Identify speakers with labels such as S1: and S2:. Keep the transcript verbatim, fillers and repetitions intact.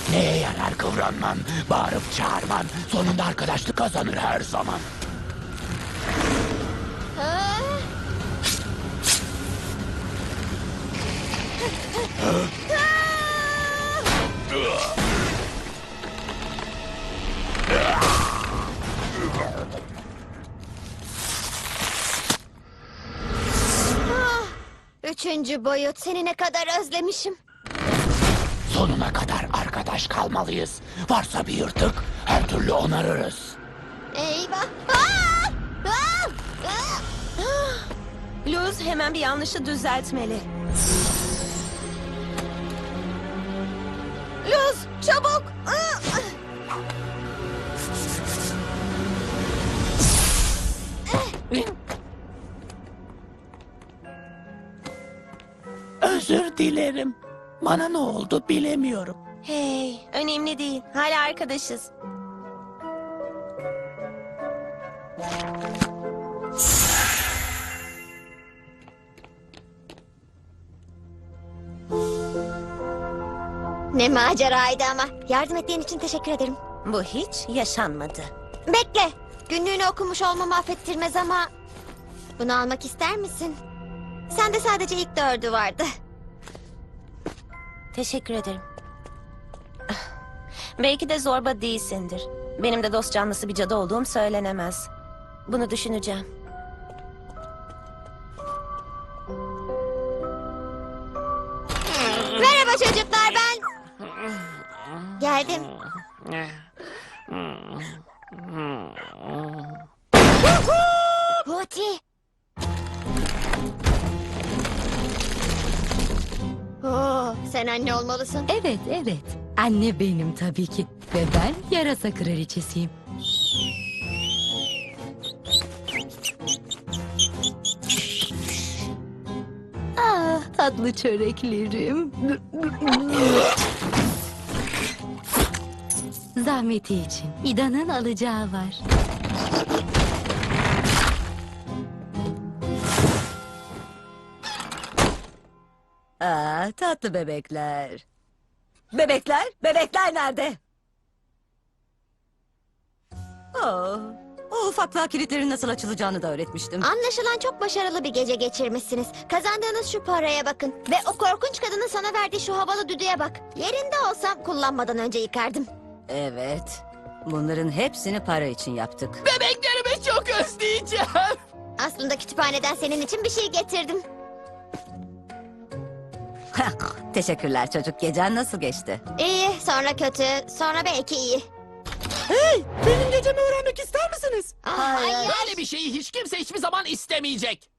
S1: Neye yarar kıvranman, bağırıp çağırman, sonunda arkadaşlık kazanır her zaman.
S2: Ha? Ah, Üçüncü boyut, seni ne kadar özlemişim.
S1: Sonuna kadar arkadaş kalmalıyız. Varsa bir yırtık, her türlü onarırız.
S2: Eyvah! Aa! Aa! Aa!
S3: Luz hemen bir yanlışı düzeltmeli. Luz, çabuk! Aa!
S1: Özür dilerim. Bana ne oldu bilemiyorum.
S3: Hey, önemli değil. Hala arkadaşız.
S2: Ne maceraydı ama. Yardım ettiğin için teşekkür ederim.
S3: Bu hiç yaşanmadı.
S2: Bekle. Günlüğünü okumuş olmamı affettirmez ama... Bunu almak ister misin? Sende sadece ilk dördü vardı.
S3: Teşekkür ederim. Ah, belki de zorba değilsindir. Benim de dost canlısı bir cadı olduğum söylenemez. Bunu düşüneceğim.
S2: Merhaba çocuklar, ben... Geldim. Huti. Oo, sen anne olmalısın.
S4: Evet, evet. Anne benim tabii ki. Ve ben yarasa kraliçesiyim. Ah, tatlı çöreklerim. Zahmeti için. İda'nın alacağı var.
S5: Aa, tatlı bebekler. Bebekler? Bebekler nerede? Oh, o ufaklığa kilitlerin nasıl açılacağını da öğretmiştim.
S2: Anlaşılan çok başarılı bir gece geçirmişsiniz. Kazandığınız şu paraya bakın. Ve o korkunç kadının sana verdiği şu havalı düdüğe bak. Yerinde olsam kullanmadan önce yıkardım.
S5: Evet, bunların hepsini para için yaptık.
S1: Bebeklerimi çok özleyeceğim.
S2: Aslında kütüphaneden senin için bir şey getirdim.
S5: Teşekkürler çocuk. Gecen nasıl geçti?
S2: İyi, sonra kötü, sonra belki iyi.
S1: Benim gecemi öğrenmek ister misiniz?
S2: Ah, hayır.
S1: Böyle bir şeyi hiç kimse hiçbir zaman istemeyecek.